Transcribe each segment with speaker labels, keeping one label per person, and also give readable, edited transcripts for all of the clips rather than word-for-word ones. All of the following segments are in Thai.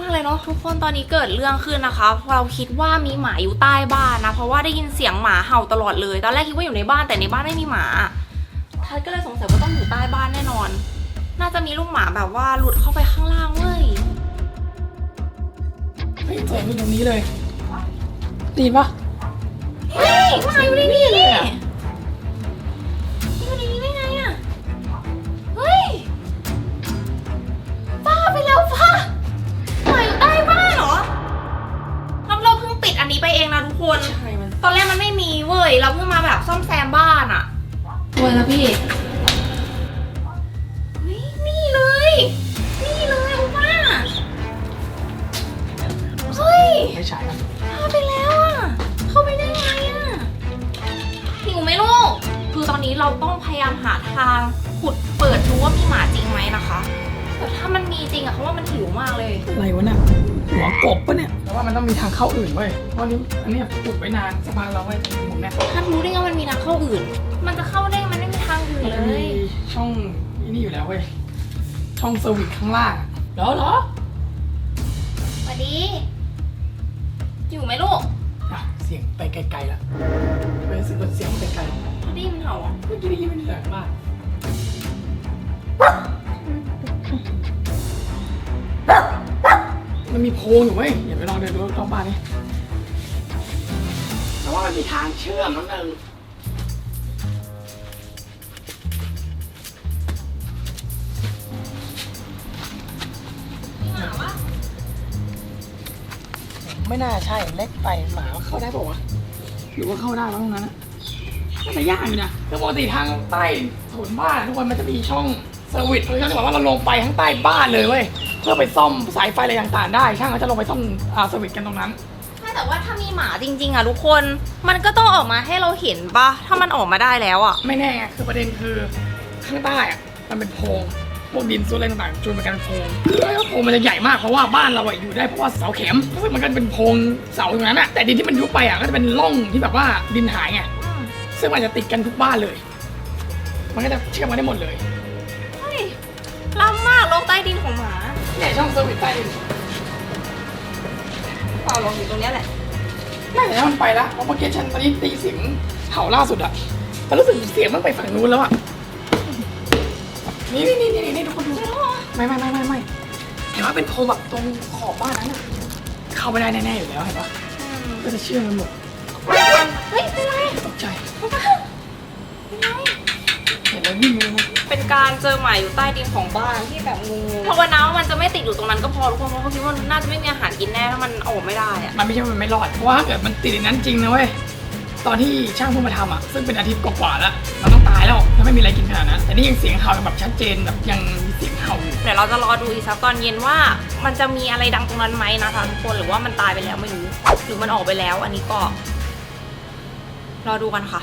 Speaker 1: เลยเนาะทุกคนตอนนี้เกิดเรื่องขึ้นนะคะเราคิดว่ามีหมาอยู่ใต้บ้านนะเพราะว่าได้ยินเสียงหมาเห่าตลอดเลยตอนแรกคิดว่าอยู่ในบ้านแต่ในบ้านไม่มีหมาทัดก็เลยสงสัยว่าต้องอยู่ใต้บ้านแน่นอนน่าจะมีลูกหมาแบบว่าหลุดเข้าไปข้างล่างเว้ย
Speaker 2: เฮ้ยเสียงอยู่ตรงนี้เลยดีปะ
Speaker 1: เฮ้ยหมาอยู่ในนี่เลยอยู่ในนี้ได้ไงอะเฮ้ยบ้าไปแล้วป้าหมาอยู่ใต้บ้านเหรอเราเพิ่งปิดอันนี้ไปเองนะทุกคน
Speaker 2: ใช่มัน
Speaker 1: ตอนแรกมันไม่มีเว้ยเราเพิ่งมาแบบซ่อมแซมบ้านอะเว้ยแล้วพี่นี่เลยโอป้าเฮ้ย
Speaker 2: ไม่ใช่มัน
Speaker 1: พาไปแล้วอะเข้าไปได้ไงอะหิวไหมลูกคือตอนนี้เราต้องพยายามหาทางขุดเปิดดูว่ามีหมาจริงไหมนะคะแต่ถ้ามันมีจริงอะเขาว่ามันหิวมากเลย
Speaker 2: อะไรวะเนี่ยหัวกบปะเนี่ยแต่ว่ามันต้องมีทางเข้าอื่นเว้ยเพราะนี้อันนี้ขุดไว้นานสะพานเราไว้มุมเนี่ย
Speaker 1: ถ้ารู้ได้ไงมันมีทางเข้าอื่นมันจะเข้าได้มันไม่มีทางอื่นเลย
Speaker 2: ช่องนี่อยู่แล้วเว้ยช่องเซอร์วิสข้างล่างเหรอ
Speaker 1: สวัสดีอยู่ไหมลูก
Speaker 2: เสียงไปไกลๆละไม่รู้สึกว่าเสียงไปไกล
Speaker 1: เขาได้ยินมันเห่าอ่ะ
Speaker 2: เมื่อกี้ได้ยินมันแรงมากมันมีโพรงอยู่เว้ยอย่าไปลองเดินดูรอบบ้านนี่แต่ว่ามันมีทางเชื่อมนิดนึงไม่น่าใช่เล็กไปหมาเข้าได้ป่าวะหรือว่าเข้าได้ตรงนั้นนะน่าจะยากอยู่นะคือปกติทางใต้โถนบ้านทุกคนมันจะมีช่องเซอร์วิสเลยเขาจะบอกว่าเราลงไปข้างใต้บ้านเลยเว้ยเพื่อไปซ่อมสายไฟอะไรต่างๆได้ช่างเขาจะลงไปซ่อมเซอร์วิสกันตรงนั้น
Speaker 1: แต่ว่าถ้ามีหมาจริงๆอ่ะทุกคนมันก็ต้องออกมาให้เราเห็นปะถ้ามันออกมาได้แล้วอ่ะ
Speaker 2: ไม่แน่คือประเด็นคือข้างใต้อ่ะมันเป็นโพรงพวกดินซุอะไรต่างๆจูนเป็นการโพรงแล้วโพรงมันจะใหญ่มากเพราะว่าบ้านเราอยู่ได้เพราะว่าเสาเข็มซึ่งมันก็เป็นโพรงเสาอย่างนั้นอะแต่ดินที่มันยุบไปอ่ะก็จะเป็นร่องที่แบบว่าดินหายไงซึ่งมันจะติดกันทุกบ้านเลยมันก็จะเชื่อมกันได้หมดเลย
Speaker 1: เฮ้ยล้ำมากโลกใต้ดินของหมา
Speaker 2: เนี่ยช่องเซอร์วิสใต้ดิน
Speaker 1: เปล่าลงอยู่ตรงนี้แหละ
Speaker 2: น่าจะมันไปแล้วเพราะเมื่อกี้ฉันตอนนี้ตีเสียงเห่าล่าสุดอะแต่รู้สึกเสียงมันไปฝั่งนู้นแล้วอะนี่ทุกคนดูไม่เห็นว่าเป็นโพรงแบบตรงขอบบ้านนั้นอะเข้าไม่ได้แน่ๆอยู่แล้วเห็นปะก็จะเชื่อมกันหมด
Speaker 1: เฮ้ยเป็นไร
Speaker 2: ตกใจเห็นแล้ววิ่งเลย
Speaker 1: เป็นการเจอหมาอยู่ใต้ดินของบ้านที่แบบงูภาวนาว่ามันจะไม่ติดอยู่ตรงนั้นก็พอทุกคนเพราะเขาคิดว่าน่าจะไม่มีอาหารกินแน่ถ้ามันออกไม่ได้อะ
Speaker 2: มันไม่ใช่มันไม่รอดเพราะว่าถ้าเกิดมันติดในนั้นจริงนะเว้ยตอนที่ช่างเพิ่งมาทำอ่ะซึ่งเป็นอาทิตย์กว่าๆแล้วเราต้องตายแล้วถ้าไม่มีอะไรกินขนาดนั้นแต่นี่ยังเสียงเห่าแบบชัดเจนแบบยังมีเสียงเห่าอยู่
Speaker 1: เดี๋ยวเราจะรอดูอีกสักตอนเย็นว่ามันจะมีอะไรดังตรงนั้นไหมนะคะทุกคนหรือว่ามันตายไปแล้วไม่รู้หรือมันออกไปแล้วอันนี้ก็รอดูกันค่ะ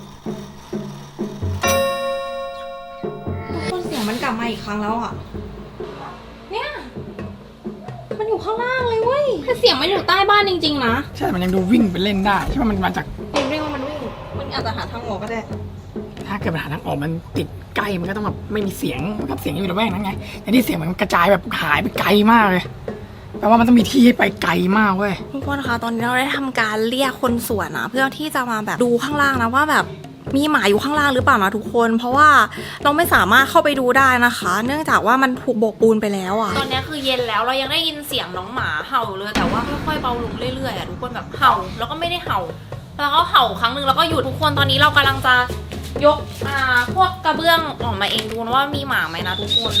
Speaker 1: ทุกคนเสียงมันกลับมาอีกครั้งแล้วอ่ะเนี่ยมันอยู่ข้างล่างเลยเว้ยแต่เสียงมันอยู่ใต้บ้านจริงๆนะ
Speaker 2: ใช่มันยังดูวิ่งไปเล่นได้ใช่ไหมมันมาจาก
Speaker 1: วิ่งมันอาจจะหาทางออกก็ได้
Speaker 2: ถ้าเกิดปัญหาทางออกมันติดใกล้มันก็ต้องแบบไม่มีเสียงมันก็เสียงอยู่ในแวกนั้นไงแต่ที่เสียงมันกระจายแบบหายไปไกลมากเลยแปลว่ามันต้องมีที่ให้ไปไกลมากเว้ย
Speaker 1: ทุกคนคะตอนนี้เราได้ทำการเรียกคนสวนนะเพื่อที่จะมาแบบดูข้างล่างนะว่าแบบมีหมาอยู่ข้างล่างหรือเปล่านะทุกคนเพราะว่าเราไม่สามารถเข้าไปดูได้นะคะ เนื่องจากว่ามันถูกโบกปูนไปแล้วอ่ะตอนนี้คือเย็นแล้วเรายังได้ยินเสียงน้องหมาเห่าเลยแต่ว่าค่อยๆเบาลงเรื่อยๆอ่ะทุกคนแบบเห่าแล้วก็ไม่ได้เห่าแล้วก็เห่าครั้งหนึ่งแล้วก็หยุดทุกคนตอนนี้เรากำลังจะยกพวกกระเบื้องออกมาเองดูนะว่ามีหมาไหมนะทุกคน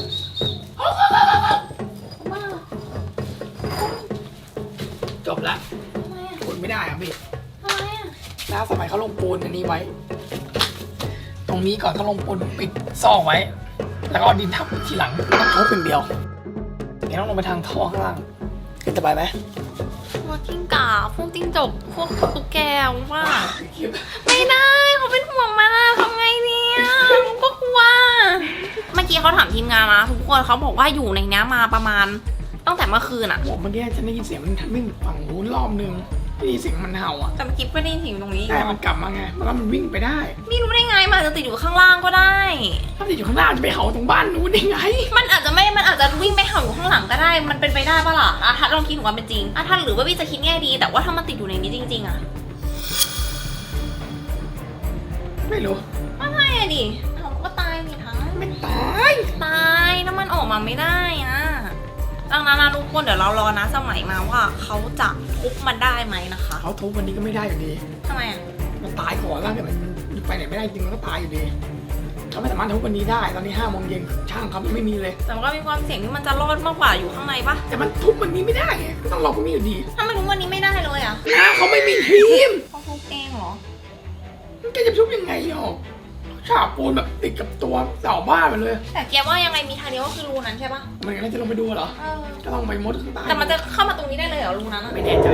Speaker 2: จบละทนไม่ได้อ่ะพี่
Speaker 1: ทำไมอ่ะ
Speaker 2: แล้วสมัยเขาลงปูนอันนี้ไว้ตรงนี้ก่อนเขาลงปูนปิดซอกไว้แล้วก็เอาดินทับทีหลังต้องทุบเป็นเดียวเดี๋ยวต้องลงไปทางท่อข้างล่างจะไปไหม
Speaker 1: พวกกิ้งก่าพวกจิ้งจกพวกตุ๊กแกว่าไม่ได้เขาเป็นห่วงมันอะทำไงเนี่ยก็กลัวเมื่อกี้เขาถามทีมงานนะทุกคนเขาบอกว่าอยู่ในนี้มาประมาณตั้งแต่เมื่อคืนอะ
Speaker 2: บอกเมื่อกี้ฉันได้ยินเสียงมันวิ่งฝั่งนู้นรอบนึงได้ยินเสียงมันเห่าอ่ะ
Speaker 1: แต่เมื่อกี้ก็ได้ยินเสียงตรงนี้
Speaker 2: แต่มันกลับมาไงมันวิ่งไปได้
Speaker 1: นี่รู้ได้ไงมันอาจจะติดอยู่ข้างล่างก็ได้
Speaker 2: ถ้าติดอยู่ข้างล่างจะไปเห่าตรงบ้านนู้นได้ไง
Speaker 1: มันอาจจะวิ่งไปเห่าอยู่ข้างหลังก็ได้ มันเป็นไปได้ปะล่ะถ้าลองคิดถึงความเป็นจริงถ้าหรือว่าพี่จะคิดแง่ดี แต่ว่าถ้ามันติดอยู่ในนี้จริงๆอะ
Speaker 2: ไม่รู้
Speaker 1: ไม่ใช่อะดิเขาก็ตายนี่ทั้ง
Speaker 2: ไม่ตาย
Speaker 1: ตายถ้ามันออกมาไม่ได้อะดังนั้นนะทุกคนเดี๋ยวเรารอนะสมัยมาว่าเขาจะทุบมันได้ไหมนะคะ
Speaker 2: เขาทุบวันนี้ก็ไม่ได้อยู่ดี
Speaker 1: ทำไมอะ
Speaker 2: มันตายก่อนแล้วแต่มันไปไหนไม่ได้จริงมันก็ตายอยู่ดีเขาไม่สามารถทุบวันนี้ได้ตอนนี้5 โมงเย็นช่างเขายังไม่มีเลย
Speaker 1: แต่มันก็มีความเสี่ยงที่มันจะรอดมากกว่าอยู่ข้างในปะ
Speaker 2: แต่มันทุบวันนี้ไม่ได้ไงก็ต้องรอพรุ่งนี้อยู่ดี
Speaker 1: ถ้าไม่รู้วันนี้ไม่ได้เลยอะ
Speaker 2: นะเขาไม่มีทีม
Speaker 1: เขาทุบเองเหรอ
Speaker 2: มันแกจะทุบยังไงหรอกฉาบปูนแบบติดกับตัวเสาบ้านไปเลย
Speaker 1: แต่แกว่ายังไงมีทางเดียวก็คือรูนั้นใช่ปะ
Speaker 2: มันก็จะลงไปดูเหรอ
Speaker 1: เออ
Speaker 2: ก็ต้องไปมดข้างใต้
Speaker 1: แต่มันจะเข้ามาตรงนี้ได้เลยเหรอรูนั้นอะ
Speaker 2: ไม่แน่ใจ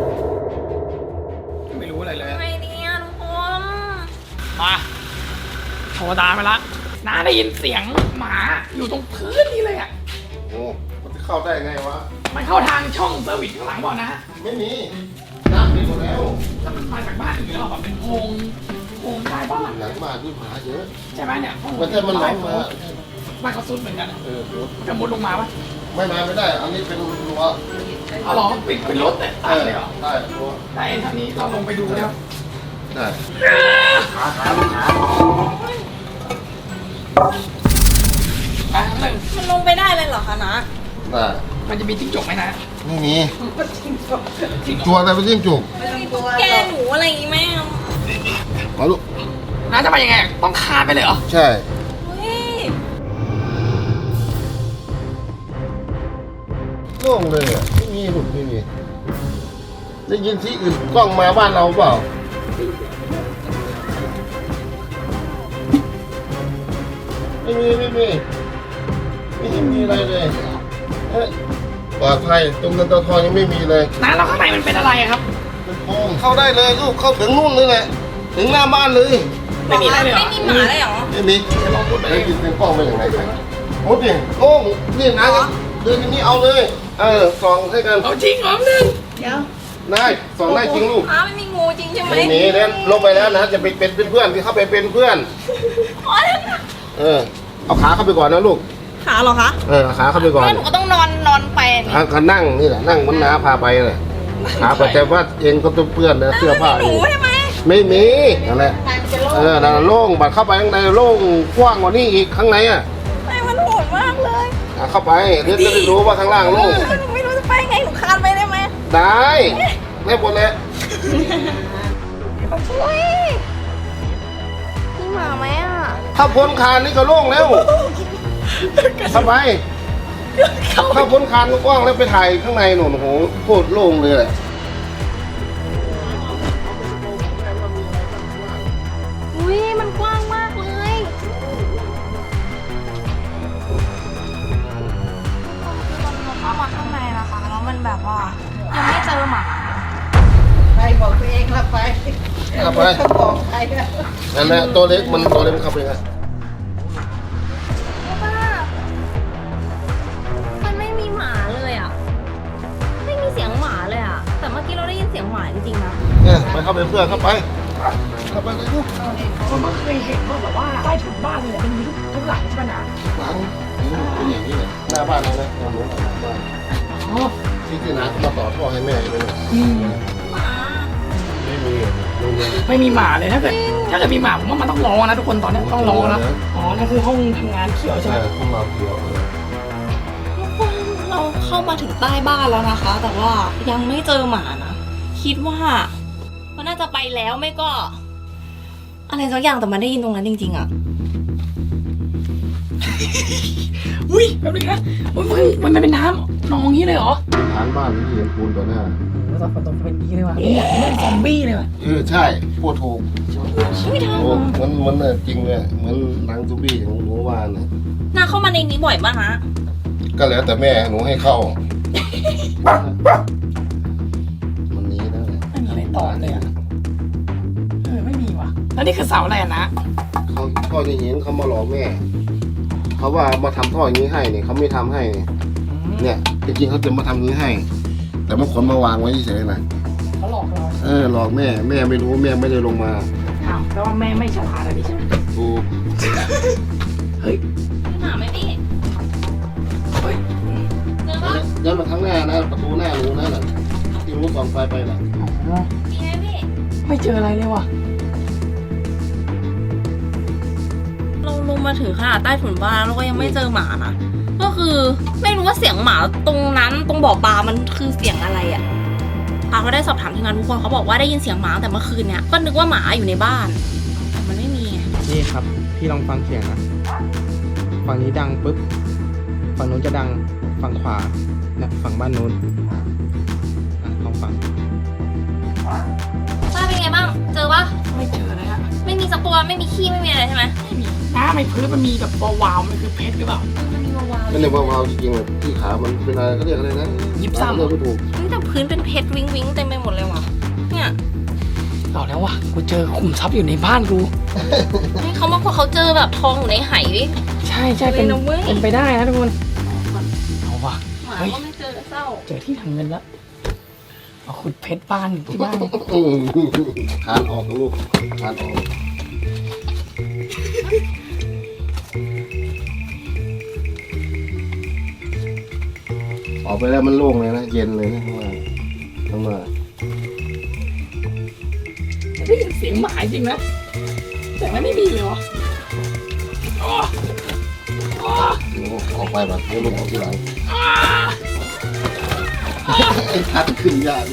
Speaker 2: ไม่รู้อะไรเลย
Speaker 1: ทำไมเนี่ยทุกคน
Speaker 2: มาโทรตามไปละน้าได้ยินเสียงหมาอยู่ตรงพื้นนี่เลยอ่ะ
Speaker 3: โอ้มันจะเข้าได้ไงวะ
Speaker 2: มันเข้าทางช่องเซอร์วิสข้างหลังก่อนนะ
Speaker 3: ไม่มีน้ำมีหมดแล้ว
Speaker 2: ถ้ามันมาจากบ้านอื่นเราแบบเป็นโพรงใต้บ้าน
Speaker 3: หลังบ้านด้วยหมาเยอะ
Speaker 2: ใช่ไหมเนี่ย
Speaker 3: มันจะมันร้องมา
Speaker 2: บ้านเขาซุดเหมือนกันอะ
Speaker 3: เออ
Speaker 2: จะมุดลงมาปะ
Speaker 3: ไม่มาไม่ได้ อันนี้เป็นรั้ว
Speaker 2: เอาหรอปิดเป็นรถเนี่ยตายเลยเหรอ
Speaker 3: ได้รั้ว
Speaker 2: ได้ทางนี้เราลงไปดูแล้ว
Speaker 3: ได้
Speaker 2: ไปหนึ่ง
Speaker 1: มันลงไปได้เลยเหรอคะนะ
Speaker 3: ได้
Speaker 2: มันจะมีจิ้งจกไหมนะ
Speaker 3: ไม่มี
Speaker 2: จิ้งจก
Speaker 3: ตัวอะไรเป็นจิ้งจุก
Speaker 1: แกหนูอะไรอย่างงี้ไหมอะ
Speaker 3: มาลูก
Speaker 2: น้าจะไปยังไงต้องคานไปเลยเหรอ
Speaker 3: ใช่
Speaker 1: เฮ้ย
Speaker 3: โล่งเลยอ่ะไม่มีลูกไม่มีได้ยินที่อื่นกล้องมาบ้านเราเปล่าไม่มีไม่มีอะไรเลยเอ้ยปลอดภัยตรงนั้นตัวทองยังไม่มีเลย
Speaker 2: น้าเราข้างในมันเป็นอะไรอะครับ
Speaker 3: เป็นโพรงเข้าได้เลยลูกเข้าถึงนู่นเลยแหละถึงหน้าบ้านเลย
Speaker 2: ไม่มีอะไรเลยเหรอ
Speaker 1: ไม่มีหมาเลยเหรอ
Speaker 3: ไม่มี
Speaker 2: เดี๋ยวลองพูดไป
Speaker 3: ได้ยินเป็นกล้องไปอย่างไรกันโอ้ดิโอ้นี่นะเดินอย่างนี้เอาเลยส่องให้กัน
Speaker 2: เอาจริงเหรอหนึ่ง
Speaker 3: ได้ส่องได้จริงลูก
Speaker 1: อ้าวไม่มีงูจริงใช่ไหม
Speaker 3: ไม่หนีเนี่ยลงไปแล้วนะจะไปเป็นเพื่อนที่เข้าไปเป็นเพื่อน
Speaker 1: โอ๊ย
Speaker 3: เอาขาเข้าไปก่อนนะลูก
Speaker 1: ขาเหรอคะ
Speaker 3: เอาขาเข้าไปก่อน
Speaker 1: แล้วหนูก็ต้องนอนไปนี่
Speaker 3: ขานั่งนี่แหละนั่งมันน้าพาไปเลยขาไปแต่ว่าเองก็ต้องเปื้อนนะเสื้อผ้า
Speaker 1: ห
Speaker 3: เอ
Speaker 1: นู
Speaker 3: ง
Speaker 1: ใช่ไหม
Speaker 3: ไม่มีนั่นแหละนั่นโล่งบัดเข้าไปข้างในโล่งกว้างกว่านี้อีกข้างในอ่ะ
Speaker 1: ไม่มันโหดมากเลย
Speaker 3: เข้าไปเดี๋ยวจะได้รู้ว่าข้างล่างโล่ง
Speaker 1: หนูไม่รู้จะไปไงหนูคานไปได้ไหม
Speaker 3: ได้ได้หมดเลย
Speaker 1: อุ้ยมีหมาไหมอ่ะ
Speaker 3: ถ้าพ้นคานนี่ก็โล่งแล้วเข้าไปถ้าพ้นคานก็กว้างแล้วไปถ่ายข้างในหนูโอ้โหโคตรโล่งเลยแหละ
Speaker 1: อุ้ยมันกว้างมากเลยมันเข้ามาข้างในนะคะแล้วมันแบบว่ายังไม่เจอหมา
Speaker 4: ใครบอกตัวเองละไป
Speaker 3: เข้าไป
Speaker 4: ต้องบอกใครนะ
Speaker 3: นั่นแหละตัวเล็กมันเข้าไปไง
Speaker 1: มันไม่มีหมาเลยอ่ะ ไม่มีเสียงหมาเลยอ่ะ แต่เมื่อกี้เราได้ยินเสียงหมาจริงๆนะ
Speaker 3: เนี่ยไปเข้าไปเพื่อนเข้าไปเลยลูก
Speaker 2: ผมก็เคยเห็นว่าแบบว่าใต้ถุนบ้านเนี่ยมันมีทุกหลังใช่ไหมนะ
Speaker 3: หลังเป็นอย่างนี้เลยหน้าบ้านเลยนะหน้าบ้าน
Speaker 2: อ๋อ
Speaker 3: ที่น้ามาต่อท่อให้แม่อยู่เลย
Speaker 1: หมา
Speaker 3: ไม่มีโรงเรียน
Speaker 2: ไม่มีหมาเลยถ้าเกิดมีหมาผมว่ามันต้องรอนะทุกคนตอนนี้ต้องรอนะอ๋อนั่นคือห้องทำงานเขียวใช่ไหม
Speaker 3: ห้องเราเขียว
Speaker 1: เราเข้ามาถึงใต้บ้านแล้วนะคะ แต่ว่ายังไม่เจอหมานะ คิดว่ามันน่าจะไปแล้วไม่ก็ อะไรสักอย่างแต่มันได้ยินตรงนั้นจริงๆอ่ะ
Speaker 2: อุ้ยแป๊บนึงนะอุ้ยมันเป็นน้ำนองงี้เลยเหรอ
Speaker 3: ฐานบ้านที่เห็นปูนต่อหน้า
Speaker 2: แล้วตอนฝนตกเป็นนี้เลยว่ะนี่เล่นซอมบี้เลยว่ะ
Speaker 3: ใช่พูดถูก
Speaker 1: ไม่ทัน
Speaker 3: โอ้มันจริงเลยเหมือนหนังซูบี้ของหนูวานน่ะ
Speaker 1: นาเข้ามาในนี้บ่อยป่ะฮะ
Speaker 3: ก็แล้วแต่แม่หนูให้เข้ามันนี้นะ
Speaker 2: ไม่มีอะไรต่อเลยอ่ะไม่มีว่ะแล้วนี่คือเสาอะไรอะนะ
Speaker 3: เขาท่ออย่างนี้เขามาหลอกแม่ เขาว่ามาทำท่ออย่างนี้ให้เนี่ยเขาไม่ทำให้เนี่ยจริงๆเขาจะมาทำอย่างนี้ให้ แต่มาขนมาวางไว้เฉยๆนะ
Speaker 2: เขาหลอกเรา
Speaker 3: หลอกแม่ไม่รู้แม่ไม่ได้ลงมา
Speaker 2: อ้าวแต่ว่าแม่ไม่ฉลาดอะไรใช่ไหม
Speaker 3: ถูก
Speaker 2: เฮ้ย
Speaker 1: หมาไหมพี่
Speaker 2: เฮ้ย
Speaker 1: เจอปะ
Speaker 3: ย้อนมาข้างหน้านะประตูหน้ารูนั่นแหละที่รู้ส่องไฟไปน่ะ
Speaker 1: มีไหมพี่
Speaker 2: ไม่เจออะไรเลยว่ะ
Speaker 1: เราลงมาถึงขนาดใต้ถุนบ้านแล้วก็ยังไม่เจอหมานะ ก็คือไม่รู้ว่าเสียงหมาตรงนั้นตรงบ่อปลามันคือเสียงอะไรอะก็ได้สอบถามทีมงานทุกคนเขาบอกว่าได้ยินเสียงหมาแต่เมื่อคืนเนี่ยก็นึกว่าหมาอยู่ในบ้านแต่มันไม่มีไง
Speaker 5: นี่ครับ พี่ลองฟังเสียงนะ ฝั่งนี้ดังปุ๊บ ฝั่งนู้นจะดัง ฝั่งขวาเนี่ยฝั่งบ้านนู้นลองฟัง
Speaker 1: ป้าเป็นไงบ้าง เจอปะ
Speaker 2: ไม่เจออะไรฮะ
Speaker 1: ไม่มีสักตัวไม่มีขี้ไม่มีอะไรใช่ไหม
Speaker 2: ไม่มีน้ำในพื้นมันมีแบบวาวๆมันคือเพชรหรือเปล่า
Speaker 1: มันมีวาวๆ
Speaker 3: นั่นเนี่ยวาวๆจริงๆเลยที่ขามันเป็นอะไรก็เรียกอะไรนะ
Speaker 2: ยิบซ้ำ
Speaker 3: เรียกไม่ถูก
Speaker 1: เฮ้ยแต่พื้นเป็นเพชรวิ้งวิ้งเต็มไปหมดเลยว่ะเนี่ย
Speaker 2: เอาแล้วว่ะกูเจอขุมทรัพย์อยู่ในบ้านกู
Speaker 1: ให้เขามาพอเขาเจอแบบทองอยู่ในไห
Speaker 2: ใช่ใช่เป็น
Speaker 1: เลยนะเว้ย
Speaker 2: เป็นไปได้นะทุกคนเอาว่ะ
Speaker 1: หมา
Speaker 2: เฮ้ย
Speaker 1: ก็ไม่เจอเศร้า
Speaker 2: เจอที่ทำเงินแล้วเอาขุดเพชรบ้านที่บ้านเนี่ย
Speaker 3: คานออกนะลูกคานออกออกไปแล้วมันโล่งเลยนะเย็นเลยนะข้างล่าง
Speaker 2: ได้ยินเสียงหมาจริงนะแต่มันไม่มีเลยวะอ๋ออ๋อ
Speaker 3: โอ้ออกไปแบบไม่รู้ออกที่หลังไอ้ทัดขึ้นยากเลย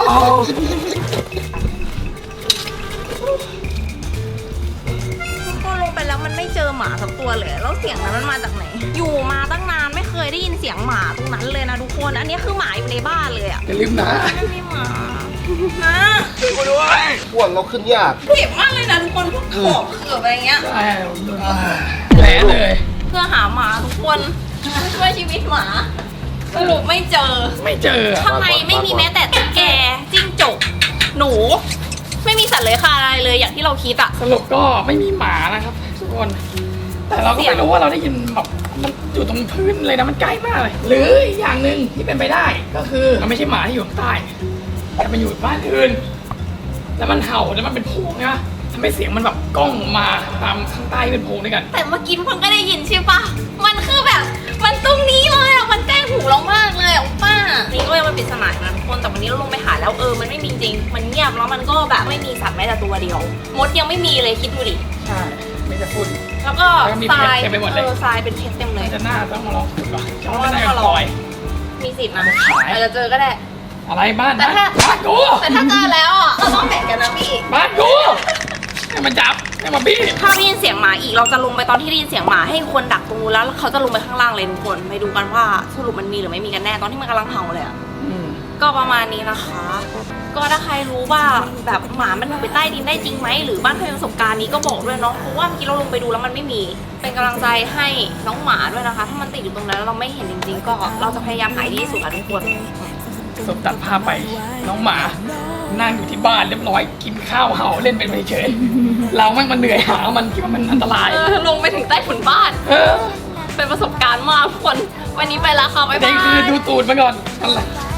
Speaker 1: ก็ลงไปแล้วมันไม่เจอหมาสักตัวเลยแล้วเสียงนั้นมันมาจากไหน อยู่มาตั้งนานไม่เคยได้ยินเสียงหมาตรงนั้นเลยนะทุกคน อันนี้คือหมาอยู่ในบ้านเลยอะ
Speaker 2: อย่าลืมนะ
Speaker 1: ไม่มีหมานะ
Speaker 2: กูด้วย
Speaker 3: อ้วนเราขึ้นยาก
Speaker 1: เจ็บมากเลยนะทุกคนพวกขอบเขือบอะไรเงี้ย
Speaker 2: ใช่แผลเลย
Speaker 1: เพื่อหาหมาทุกคนช่วยชีวิตหมาสรุปไม่เจอ
Speaker 2: ไม่เจอ
Speaker 1: ข้างในไม่มีแม้แต่ตุ๊กแกจิ้งจกหนู ไม่มีสัตว์เลื้อยคลานอะไรเลยอย่างที่เราคิดอะ
Speaker 2: สรุปก็ไม่มีหมานะครับทุกคน แต่เราก็ไม่รู้ว่าเราได้ยินแบบมันอยู่ตรงพื้นเลยนะมันใกล้มากเลย หรืออีกอย่างหนึ่งที่เป็นไปได้ก็คือมันไม่ใช่หมาที่อยู่ข้างใต้แต่มันอยู่บ้านอื่นแล้วมันเห่าแล้วมันเป็นโพรงนะทำให้เสียงมันแบบก้องมาตามข้างใต้ที่เป็นโพรงด้วยกัน
Speaker 1: แต่เมื่อกี้มันก็ได้ยินใช่ปะมันคือแบบมันตรงนี้เลยอะมันใกล้หูเรามากเลยอะป้านี่ก็ยังเป็นปริศนาอยู่นะทุกคนแต่วันนี้เราลงไปหาแล้วมันไม่มีจริงมันเงียบแล้วมันก็แบบไม่มีสัตว์แม้แต่ตัวเดียวมดยังไม่มีเลยคิดดูดิ
Speaker 2: ใช่ไม่จะพูด
Speaker 1: แล้วก็
Speaker 2: แล้วก็มี
Speaker 1: ทราย
Speaker 2: เพชรเต็มไปหมดเลย
Speaker 1: ทรายเป็นเพชรเต็มเลย
Speaker 2: จะน่าต้องมาลองขุดก่อนจะไม่ได้ลอย
Speaker 1: มีสิทธิ์นะ
Speaker 2: ขาย
Speaker 1: อาจจะเจอก็ได้
Speaker 2: อะไรบ้าน
Speaker 1: แต่
Speaker 2: นะ
Speaker 1: ถ้า
Speaker 2: บ้านกู
Speaker 1: แต่ถ้าเจอแล้วอ่ะเราต้องแบ่งกันนะพี่
Speaker 2: บ้านกูให้มันจับให้มันบี้
Speaker 1: ถ้าได้ยินเสียงหมาอีกเราจะลงไปตอนที่ได้ยินเสียงหมาให้คนดักตรงนู้นแล้วเขาจะลงไปข้างล่างเลยทุกคนไปดูกันว่าสรุปมันมีหรือไม่มีกันแน่ตอนที่มันกำลังเห่าเลยอ่ะ
Speaker 2: อืม
Speaker 1: ก็ประมาณนี้นะคะ ก็ถ้าใครรู้ว่าแบบหมามันอยู่ไปใต้ดินได้จริงไหมหรือบ้านใครมีประสบการณ์นี้ก็บอกด้วยเนาะเพราะว่าเมื่อกี้เราลงไปดูแล้วมันไม่มีเป็นกำลังใจให้น้องหมาด้วยนะคะ ถ้ามันติดอยู่ตรงนั้นแล้วเราไม่เห็นจริงๆ ก็เราจะพยายามหาที่สุดค่ะทุกคน
Speaker 2: สมตัดภาพไปน้องหมานั่งอยู่ที่บ้านเรียบร้อยกินข้าวเห่าเล่นเป็นเฉยๆเราแม่งมันเหนื่อยหามันคิดว่ามันอันตราย
Speaker 1: ลงไปถึงใต้ถุนบ้าน
Speaker 2: เออ
Speaker 1: เป็นประสบการณ์มากทุกคน วันนี้ไปแล้วค่ะบ๊าย
Speaker 2: แต่
Speaker 1: บาย
Speaker 2: คือดูตูดมาก่อนอะไร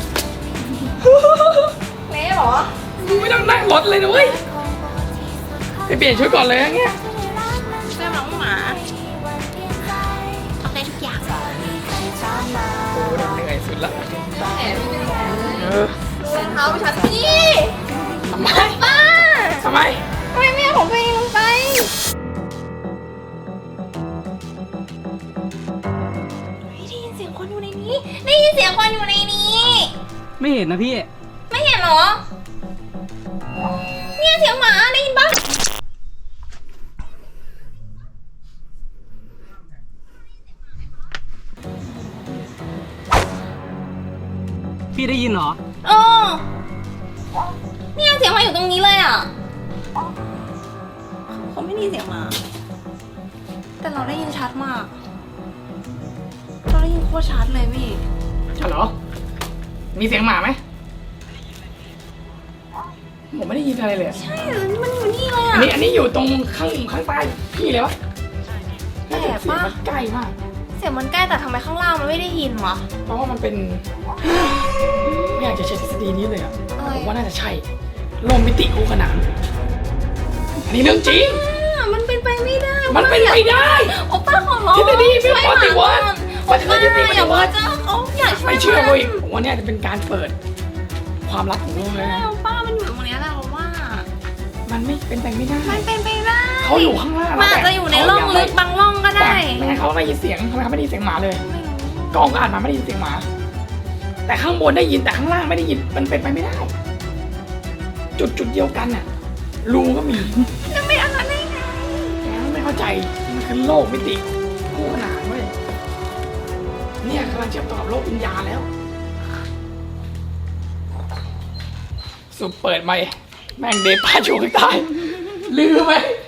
Speaker 1: เละเหรอ
Speaker 2: กูไม่ต้องนั่งรถเลยนะเว้ยไปเปลี่ยนชุดก่อนเลยอย่างเงี้ย
Speaker 1: เสื้อน้องหมาทำได้ทุกอย่าง
Speaker 2: โอ้เหนื่อยสุดละ
Speaker 1: แหมพี่เป็นไง
Speaker 2: เออ
Speaker 1: รองเท้าฉันนี่
Speaker 2: ทำไม
Speaker 1: ป้า
Speaker 2: ทำไม
Speaker 1: ทำไมไม่เอาของตัวเองลงไปได้ยินเสียงคนอยู่ในนี้ ได้ยินเสียงคนอยู่ในนี้
Speaker 5: ไม่เห็นนะพี่
Speaker 1: ไม่เห็นเหรอ เนี่ยเสียงหมาได้ยินปะ
Speaker 5: พี่ได้ยินเหรอ
Speaker 1: เออเนี่ยเสียงหมาอยู่ตรงนี้เลยอ่ะเขาไม่ได้ยินเสียงหมา แต่เราได้ยินชัดมาก เราได้ยินโคตรชัดเลยพี่
Speaker 2: ใช่เหรอ มีเสียงหมาไหมผมไม่ได้ยินอะไรเลยอะ
Speaker 1: ใช่มันอยู่นี่เลย
Speaker 2: อั
Speaker 1: อ่ะ
Speaker 2: นนี้อยู่ตรงข้างใต้พี่เลยวะ
Speaker 1: แปลกปะ
Speaker 2: เสียงมันใกล้มาก
Speaker 1: เสียงมันใกล้แต่ทำไมข้างล่างมันไม่ได้ยินวะ
Speaker 2: เพราะว่ามันเป็น ไม่อยากจะใช้ทฤษฎีนี้เลยอ่ะ
Speaker 1: เออ
Speaker 2: ผมว่าน่าจะใช่โลกมิติคู่ขนานอันนี้เรื่องจริง
Speaker 1: มันเป็นไปไม่ได้
Speaker 2: มันเป็นไปได้
Speaker 1: โอป้าขอร้อง
Speaker 2: ทฤษฎีไม่ปฏิวัติ
Speaker 1: โอป้าอย่าว่าจะเขาอยากช่วย
Speaker 2: ไม่เชื่อเลยผมว่าเนี่ยจะเป็นการเปิดความลับของโลกเลยนะ
Speaker 1: โอป้ามันอยู่ตรงเนี้ยแหละเราว่า
Speaker 2: มันไม่เป็นไปไม่ได้
Speaker 1: มันเป็นไปได้
Speaker 2: เขาอยู่ข้างล่าง
Speaker 1: มันอาจจะอยู่ในร่องลึกบางร่องก็ได้
Speaker 2: ไม่งั้นเขาไม่ได้ยินเสียงทำไมเขาไม่ได้ยินเสียงหมาเลยกล้องก็อ่านมาไม่ได้ยินเสียงหมา แต่ข้างบนได้ยินแต่ข้างล่างไม่ได้ยินมันเป็นไปไม่ได้ จุดเดียวกันน่ะรูก็มี
Speaker 1: จะไม่อะไรได้ไง
Speaker 2: แกไม่เข้าใจมันคือโลกมิติคู่ขนานเว้ยเนี่ยกำลังเชื่อมต่อกับโลกวิญญาณแล้วสุดเปิดไหมแม่งเดป้าชูข้างใต้ลืมไหม